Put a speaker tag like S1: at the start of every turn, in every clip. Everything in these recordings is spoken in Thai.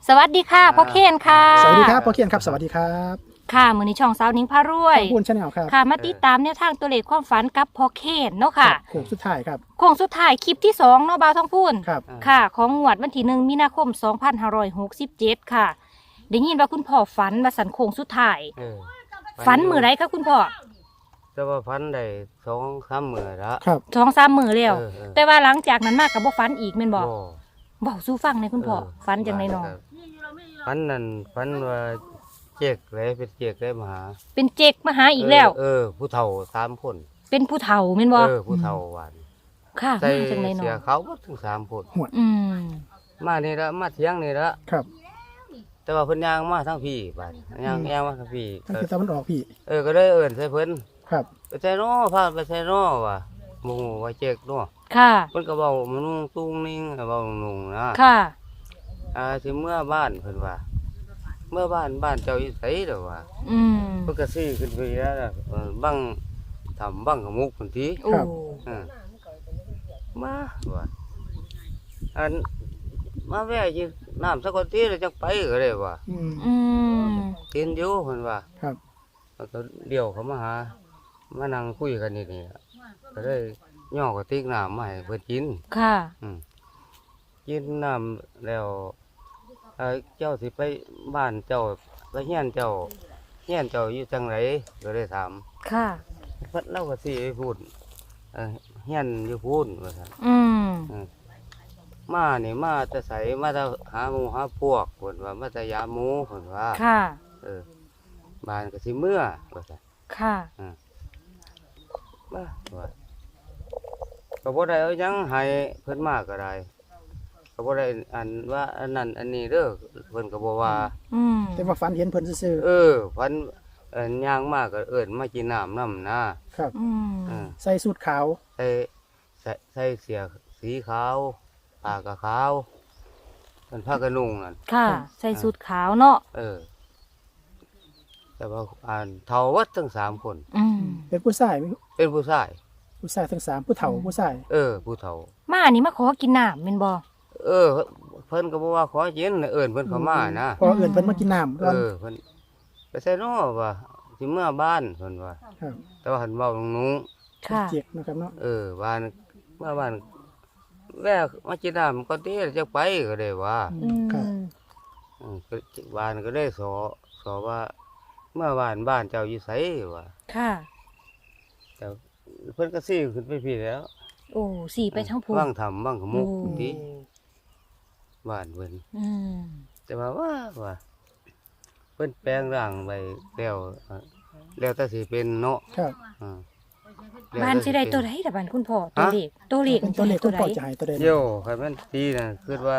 S1: สวัสดีค่ะพ่อเคนค่ะ
S2: สวัสดีครับพ่อเคียนครับสวัสดีครับ
S1: ค่ะมื้อนี้ช่องสาวนิ้งพารวย
S2: ขอบคุณชาแนลครับ
S1: ค่ะมาติดตามแนวทางตัวเลขความฝันกับพ่อเคนเนาะค่ะ
S2: โค้งสุดท้ายครับ
S1: โค้งสุดท้ายคลิปที่2เนาะบ่าวทองพูน
S2: ครับ
S1: ค่ะ ของงวดวันที่1มีนาคม2567ค่ะได้ยินว่าคุณพ่อฝันว่าสันโค้งสุดท้าย
S3: เออ
S1: ฝันมื้อไรคะคุณพ่อ
S3: แต่ว่าฝันได้2-3มื้อละ
S2: ครับ
S1: 2-3 มื้อแล้ว
S3: เออ
S1: แต่ว่าหลังจากนั้นมาก็บ่ฝันอีกแม่นบ่
S3: บ่
S1: เว้าสู่ฟังหน่อยคุณพ่อฝันจังได๋น้อ
S3: ฝันนั่นฝันว่าเจ๊กเลยเป็นเจ๊กเลยมาหา
S1: เป็นเจกมาหาอีกแล้ว
S3: ผู้เฒ่า3คน
S1: เป็นผู้เฒ่าแม่นบ่
S3: ผู้เฒ่าหวาน
S1: ค่ะ
S3: ใส่
S1: มาจังได๋น้
S3: เสี
S1: อย
S3: เขาวหมดถึง3คน
S1: อืม
S3: มานี่ละมาเที่ยงนี่ละ
S2: ครับ
S3: แต่ว่าเพิ่นย่างมาทางพี่บาดย่างแอวมาทางพี่
S2: ตั้งแต่ตะวันออกพี่
S3: ก็ได้เอิ้นใส่เพิ่น
S2: ครับ
S3: ไปใส่น้อพาไปใส่น้อว่ะหมู่ว่าเจ๊กน้อ
S1: ค่ะ
S3: เพิ่นก็เว้ามันนุ่งตุ้งนิ่งเว้านุ่งนะ
S1: ค่ะ
S3: สิเมื่อบ้านเพิ่นว่า เมื่อบ้านเจ้าอยู่ไสเด้อว่า
S1: อืม
S3: เพิ่นก็ซื้อขึ้นไปแล้วล่ะบังทำบังขมุกพุ่นติ
S1: โอ้
S3: เออมาว่าอันมาแวะอยู่น้ำสักคนทีแล้วจังไปก็ได้ว่า
S2: อืม
S1: อืม
S3: กินอยู่เพิ่นว่า
S2: ครับ
S3: แล้วก็เดี๋ยวเขามาหามานั่งคุยกันนี่ล่ะก็เลยย่อกระติกน้ำมาให้เพิ่นกิน
S1: ค่ะ
S3: กินน้ำแล้วเจ้าสิไปบ้านเจ้าไปเฮียนเจ้าอยู่จังไหนก็เลยถาม
S1: ค่ะ
S3: เพิ่นเล่าก็สิไปพูดเฮียนอยู่พูดว่าซั่น
S1: อืม
S3: มานี่มาแต่ไสมาแต่หาหมู่หาพวกเพิ่นว่ามาแต่ยามหมู่เพิ่นว่า
S1: ค่ะ
S3: บ้านก็สิเมื่อว่าซั่น
S1: ค่ะ
S3: มาว่าก็บ่ได้เอาหยังให้เพิ่นมาก็ได้ก็บ่ได้อันว่าอันนั้นอันนี้เด้อเพิ่นก็บ่ว่า
S1: อืม
S2: แต่ว่าฝันเห็นเพิ่นซื่อ
S3: พันย่างมากก็เอิ้นมากินน้ำ
S2: ๆครับ
S1: อืม
S2: ใส่สูทขาว
S3: ใส่เสื้อสีขาวผ้ากะขาวเป็นผ้ากระนุ่งนั่น
S1: ค่ะ ใส่สูทขาวเนาะ
S3: แต่ว่าเฒ่าวัดทั้ง3คน
S1: อืม
S2: เป็นผู้ชาย
S3: เป็นผู้ชาย
S2: ผู้ชายทั้ง3ผู้เฒ่าผู้ชาย
S3: ผู้เฒ่า
S1: มานี่มาขอกินน้ำแม่นบ่
S3: เพิ่นก็บ่ว่าขอกินเอิ้นเพิ่นเข้ามานะ
S2: พอเอื่นเพิ่นมากินน้ำก่อน
S3: เพิ่นไปใส่น้อว่าสิเมื่อบ้านเพิ่นว่า
S2: ครับ
S3: แต่ว่าหันเว้านุ่ง
S1: ค่ะ
S2: เจ็กนะครับเนาะ
S3: บ้านเมื่อบ้านแวะมากินน้ำก็ตีจะไปก็ได้ว่า
S1: อืม
S2: ครับ
S3: ก็บ้านก็ได้สอว่า เมื่อบ้านเจ้าอยู่ไสว่า
S1: ค่ะ
S3: แต่เพิ่นก็ซี่ขึ้นไปพี่แล้ว
S1: โอ้สี่ไปทั้งพู
S3: ว่างทำว่างขมุก
S1: โอ้
S3: ดีบ้านเพิ่น
S1: อืม
S3: แต่ว่าเพิ่นแปลงร่างไปแล้วแต่สิเป็นเนาะ
S2: ครับ
S3: อ่า
S1: บ้านสิได้ตัวใดล่ะบ้านคุณพ่อตัวเลขตัวเลข
S2: เป็นตัวเลขคุณ
S1: ใด
S2: พ่อจะให้ตัวใด
S3: เดี๋ยวให้มันตีน่ะคิดว่า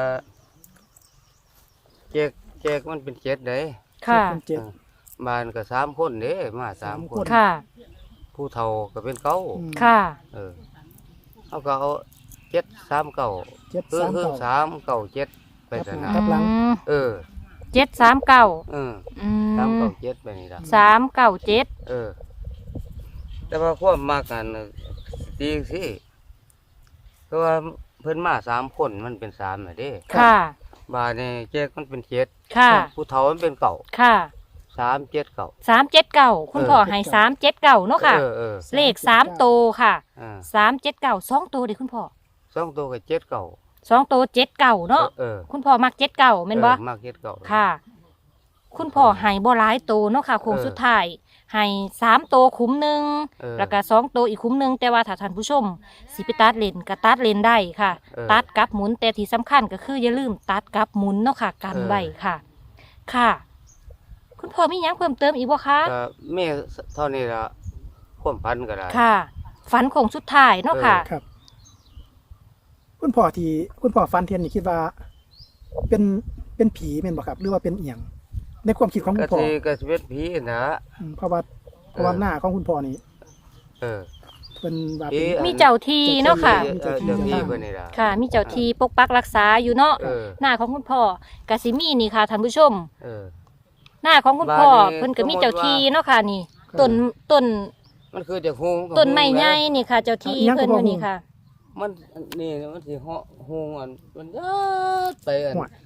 S3: แจกมันเป็น7เด้
S1: ค่ะ
S2: เป็นเจ็ด
S3: บ้านก็3คนเด้มา3คน
S1: ค่ะ
S3: ผู้เฒ่าก็เป็นเก้า
S2: อืม
S1: ค่ะ
S3: เขาก็เอา739 คือ
S2: 739
S3: 397ไปซะนะ
S2: ครับหลัง
S3: เออ
S1: 739
S3: อืม
S1: อืม
S3: 397ไปนี่ล่ะ
S1: 397
S3: แต่ว่าความมากกันดีสิเพราะว่าเพิ่นมา3คนมันเป็น3น่ะเด้
S1: ค่ะ
S3: บาดนี่แจกมันเป็น7
S1: ค่ะ
S3: ผู้เฒ่ามันเป็นเก้า
S1: ค่ะ
S3: 379
S1: 379คุณพ่อให้379เนาะค่ะ เลข3โตวค่ะ 379 2โตวเด้คุณพ่อ
S3: 2ตัวก็79
S1: 2โตว79เนาะคุณพ่อมัก79แม่นบ่
S3: มาก79
S1: ค่ะ คุณพ่อให้บ่หลายโตวเนาะค่ะโค้งสุดท้ายให้3โตวคุ้มหนึงแล้วก็2โตวอีกคุ้มหนึงแต่ว่าถ้าท่านผู้ชมสิไปตัดเลนก็ตัดเลนได้ค่ะ ตัดกับหมุนแต่ที่สำคัญก็คืออย่าลืมตัดกับหมุนเนาะค่ะกันไว้ค่ะ ค่ะ คุณพ่อมีหยังเพิ่มเติมอีกบ่คะ
S3: ก็แม่เท่านี้ละความพันก็ได้
S1: ค่ะ ฝันโค้งสุดท้ายเนาะค่ะ
S2: ครับ คุณพ่อฟันเทียนนี่คิดว่า เป็นผีแม่นบ่ครับ หรือว่าเป็นเอียงในความคิดของคุ
S3: ก็
S2: ณพ่อ
S3: สิก็สิเป็นผีนะ
S2: เพราะว่าหน้าของคุณพ่อนี่
S3: เออ
S2: เป็นว่า
S3: ผี
S2: เป็น
S1: มีเจ้าที่เนาะค่ะ
S3: เจ้าที่เพิ่นนี่ล่ะ
S1: ค่ะ มีเจ้าที่ปกปักรักษาอยู่เนาะ
S3: เออ
S1: หน้าของคุณพ่อกสิมีนี่ค่ะท่านผู้ชม
S3: เออ
S1: หน้าของคุณพ่อ
S3: บ้านนี้
S1: เพิ่นก็มีเจ้าที่เนาะค่ะนี่
S2: ครับ
S1: ต้น
S3: มันคือจะฮูง
S1: ต้นไม้ใหญ่นี่ค่ะ เจ้าที่
S2: เอาอีหยัง
S1: เพิ่น
S2: ก็
S1: อ
S2: บ่
S1: ยู่นี่ค่ะ
S3: มันนี่มันสิเหาะฮูงอันมันยัดไปอัน
S2: หัว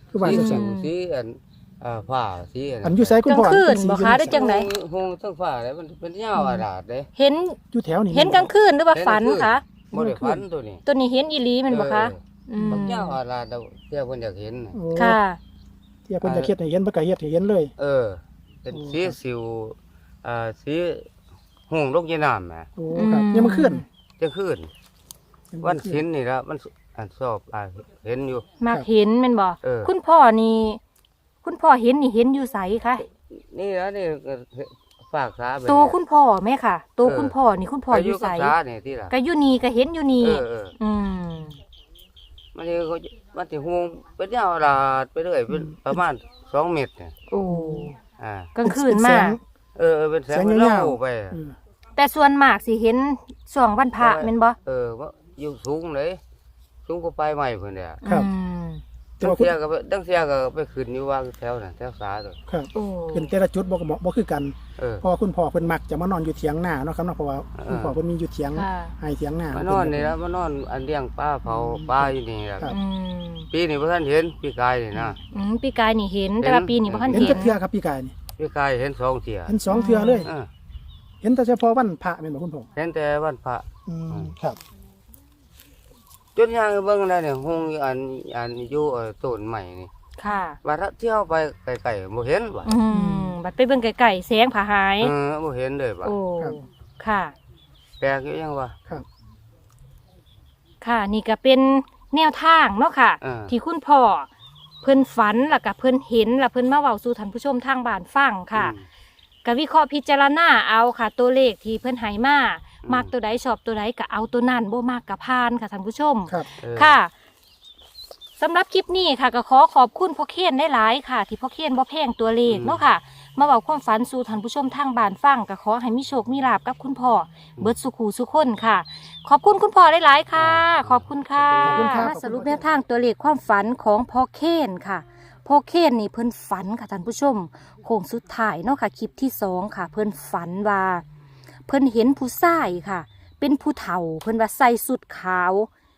S2: คือว่า
S3: สี
S2: จัง
S3: สิ
S2: ซั่น
S3: วสีอันผ้าสีอัน
S2: อันอยู่ไสคุณพ่อก
S1: ลางคืน
S2: เป็สี
S1: บ่
S2: อยู่
S1: คะ
S2: ใน
S1: ได้จังไหน
S3: หงทั้งฟ้าเลยมันเป็นยาวอาดาดเด้
S1: เห็น
S2: อยู่แถวนี้
S1: เห็นกลางคืนหรือว่าฝันคะ
S3: บ่ได้ฝันตัวนี้
S1: ตัวนี้เห็นอีหลีแมันบ่คะ
S3: บักยาวอาดาดเที่ยวเพิ่นอยากเห็นน่ะ
S2: โอ้
S1: ค่ะ
S2: เที่ยเพิ่นจะเฮ็ดให้เห็นเพิ่นก็เฮ็ดให้เห็นเลย
S3: เป็นสีสิวสีหงลงยีน้ำแหม
S2: โอ้ครับยังมาขึ้น
S3: จะขึ้นวันศิลนี่ละมันอันชอบเห็นอยู่
S1: มักเห็นแมันบ่
S3: เออ
S1: คุณพ่อนี่ คุณพ่อเห็นนี่เห็นอยู่ไสคะ
S3: นี่ละนี่ก็ฝากษาไป
S1: ตัวคุณพ่อแม่ค่ะตัวคุณพ่อนี่คุณพ่ออยู่ไส
S3: กับษาเนี่ยที่ละ
S1: ก็อยู่นี่ก็เห็นอยู่นี่ อืม
S3: มันนี่ก็มันสิหงเป็นยาวอาดาดไปเรื่อยเป็นประมาณ2 เมตรเนี่ย
S1: โอ้
S3: อ่าก
S1: ลางคืนมา
S3: เป็นแสง
S2: แสง
S3: มัน
S2: ยา
S3: เล่าว ไป
S2: อืม
S1: แต่ส่วนมากสิเห็นช่วงวันพระแม่นบ่
S3: ว่าอยู่สูงเลยสูงกว่าปลายไม้เพิ่นเนี่ย
S2: ครับ
S1: อืม
S2: แต่
S3: ดัง
S2: ว่าคุณ
S3: เสียก็ไปดังเสียก็ไปขึ้นอยู่ว่าแถวนั้นแถวสาตัว
S2: ครับ
S1: โอ้
S2: เป็นแต่ละจุดบ่คือกัน
S3: เออ
S2: เพราะว่าคุณพ่อเพิ่นมักจะมานอนอยู่เถียงนาเนาะครับเนาะเพราะว่า
S3: เออ
S2: คุณพ่อเพิ่นมีอยู่เถียง
S1: ค่ะ
S2: ให้เถียงนาม
S3: านอนนี่แล้วมานอนอันเลี้ยงปลาเผาปลาอยู่นี่ล่ะ
S2: ครับ
S1: อืม
S3: ปีนี้บ่ทันเห็นปีกายนี่นะ
S1: ปีกายนี่เห็น แต่ว่าปีนี้บ่ทัน
S2: เห็น
S1: เห็
S2: จั
S1: น
S2: กเทื่อครับพี่กายนี่
S3: ปีกายเห็น2 เที่ย
S2: เห็น2เทื่อเลย
S3: เออ
S2: เห็นแต่เฉพาะวันพระแม่นบ่คุณพ่อ
S3: เห็นแต่วันพระ
S2: ครับ
S3: จนย่างเบิ่งได้เนี่ยหงอยู่อันอยู่ต้นใหม่นี่
S1: ค่ะ
S3: ว่าถ้าเที่ยวไปไกลๆบ่เห็นว่ะ
S1: บัดไปเบิ่งไกลๆแสงผาหาย
S3: บ่เห็นเลยว่ะ
S1: โอ้ ค่ะ
S3: แปลกอยู่ยังวะ
S2: ครับ
S1: ค่ะ นี่ก็เป็นแนวทางเนาะค่ะ ที่คุณพ่อเพิ่นฝันแล้วก็เพิ่นเห็นแล้วเพิ่นมาเว้าสู่ท่านผู้ชมทางบ้านฟังค่ะก็วิเคราะห์พิจารณาเอาค่ะ ตัวเลขที่เพิ่นให้มามักตัวใดชอบตัวใดก็เอาตัวนั้นบ่มักก็ผ่านค่ะท่านผู้ชม
S2: ครับ
S1: ค่ะสำหรับคลิปนี้ค่ะก็ขอขอบคุณพ่อเคนได้หลายๆค่ะ ที่พ่อเคนบ่แพงตัวเลขเนาะค่ะ มาเว้าความฝันสู่ท่านผู้ชมทางบ้านฟังก็ขอให้มีโชคมีลาภกับคุณพ่อเบิดสุขูสุขคนค่ะ ขอบคุณคุณพ่อหลายๆค่ะ ขอบคุณค่ะ
S2: ขอบคุณครับ
S1: มาสรุปแนวทางตัวเลขความฝันของพ่อเคนค่ะพ่อเคนนี่เพิ่นฝันค่ะท่านผู้ชมโค้งสุดท้ายเนาะค่ะคลิปที่2ค่ะ เพิ่นฝันว่า เพิ่นเห็นผู้ชายค่ะ เป็นผู้เฒ่าเพิ่นว่าใส่สุดขาว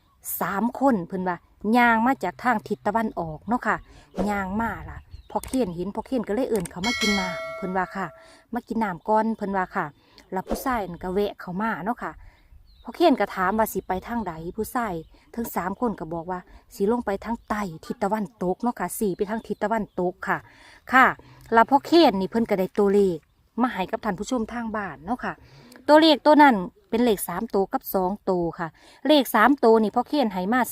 S1: 3 คนเพิ่นว่าย่างมาจากทางทิศตะวันออกเนาะค่ะย่างมาล่ะพอเขียนเห็นพอเขียนก็เลยเอิ่นเขามากินน้ำเพิ่นว่าค่ะ มากินน้ำก่อนเพิ่นว่าค่ะ แล้วผู้ชายนั่นก็แวะเข้ามาเนาะค่ะพอเขียนก็ถามว่าสิไปทางใดผู้ชายทั้ง3 คนก็บอกว่าสิลงไปทางใต้ทิศตะวันตกเนาะค่ะ4ไปทางทิศตะวันตกค่ะ ค่ะแล้วพอเขียนนี่เพิ่นก็ได้ตัวเลขมาให้กับท่านผู้ชมทางบ้านเนาะค่ะ ตัวเลขตัวนั้นเป็นเลข3 ตัวกับ2 ตัวค่ะ เลข3 ตัวนี่พ่อเขียนให้มา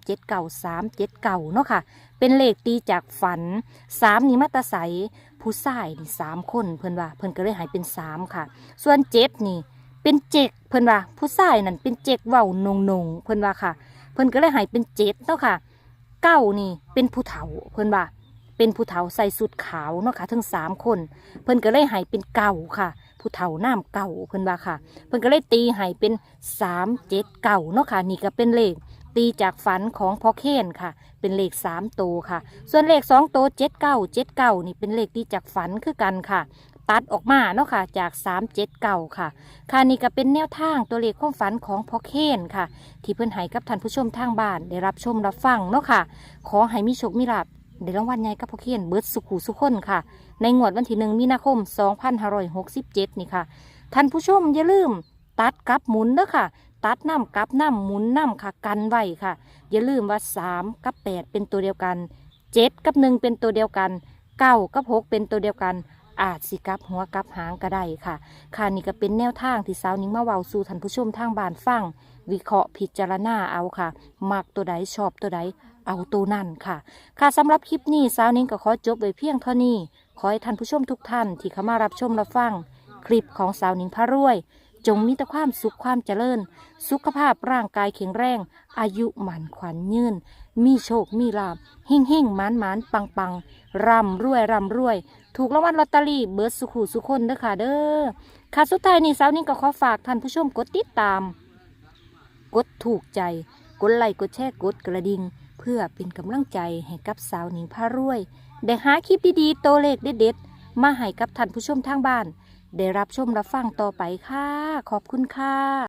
S1: 379เนาะค่ะ เป็นเลขตีจากฝัน3นี่มาตาใสผู้ชายนี่3 คนเพิ่นว่าเพิ่นก็เลยให้เป็น3ค่ะ ส่วน7นี่เป็นเจกเพิ่นว่าผู้ชายนั่นเป็นเจกเว้านงเพิ่นว่าค่ะ เพิ่นก็เลยให้เป็น7เนาะค่ะ9นี่เป็นผู้เฒ่าเพิ่นว่าเป็นผู้เฒ่าใส่สุดขาวเนาะค่ะทั้ง3 คน เพิ่นก็เลยให้เป็น9ค่ะ ผู้เฒ่าน้ำเก่าเพิ่นว่าค่ะ เพิ่นก็เลยตีให้เป็น379เนาะค่ะนี่ก็เป็นเลขตีจากฝันของพ่อเคนค่ะ เป็นเลข3 ตัวค่ะ ส่วนเลข2 ตัว79นี่เป็นเลขตีจากฝันคือกันค่ะ ตัดออกมาเนาะค่ะจาก379ค่ะค่ะนี่ก็เป็นแนวทางตัวเลขความฝันของพ่อเคนค่ะ ที่เพิ่นให้กับท่านผู้ชมทางบ้านได้รับชมรับฟังเนาะค่ะ ขอให้มีโชคมีลาภได้รางวัลใหญ่กับพ่อเคนเบิดสุขุสุขคนค่ะ ในงวดวันที่1 มีนาคม 2567 นี่ค่ะ ท่านผู้ชมอย่าลืมตัดกับหมุนเด้อค่ะ ตัดน้ำกับน้ำหมุนน้ำค่ะกันไว้ค่ะ อย่าลืมว่า3กับ8เป็นตัวเดียวกัน7กับ1เป็นตัวเดียวกัน9กับ6เป็นตัวเดียวกัน อาจสิกับหัวกับหางก็ได้ค่ะ ค่ะนี่ก็เป็นแนวทางที่สาวนิ้งมาเว้าสู่ท่านผู้ชมทางบ้านฟัง วิเคราะห์พิจารณาเอาค่ะ มักตัวใดชอบตัวใดเอาตัวนั่นค่ะ ค่ะสำหรับคลิปนี้สาวนิ้งก็ขอจบไว้เพียงเท่านี้ ขอให้ท่านผู้ชมทุกท่านที่เข้ามารับชมรับฟัง คลิปของสาวนิ้งพระรวย จงมีแต่ความสุขความเจริญ สุขภาพร่างกายแข็งแรง อายุหมันขวัญยืน มีโชคมีลาภเฮ่งเฮ่งหมานหมานปังปังร่ำรวยร่ำรวย ถูกรางวัลลอตเตอรี่เบิร์ดสุขุสุขคนเด้อค่ะเด้อค่ะสุดท้ายนี้สาวนิ้งก็ขอฝากท่านผู้ชมกดติดตาม กดถูกใจ กดไลค์กดแชร์กดกระดิ่งเพื่อเป็นกำลังใจให้กับสาวหนิงพารวย ได้หาคลิปดีๆตัวเลขเด็ดๆมาให้กับท่านผู้ชมทางบ้าน ได้รับชมรับฟังต่อไปค่ะ ขอบคุณค่ะ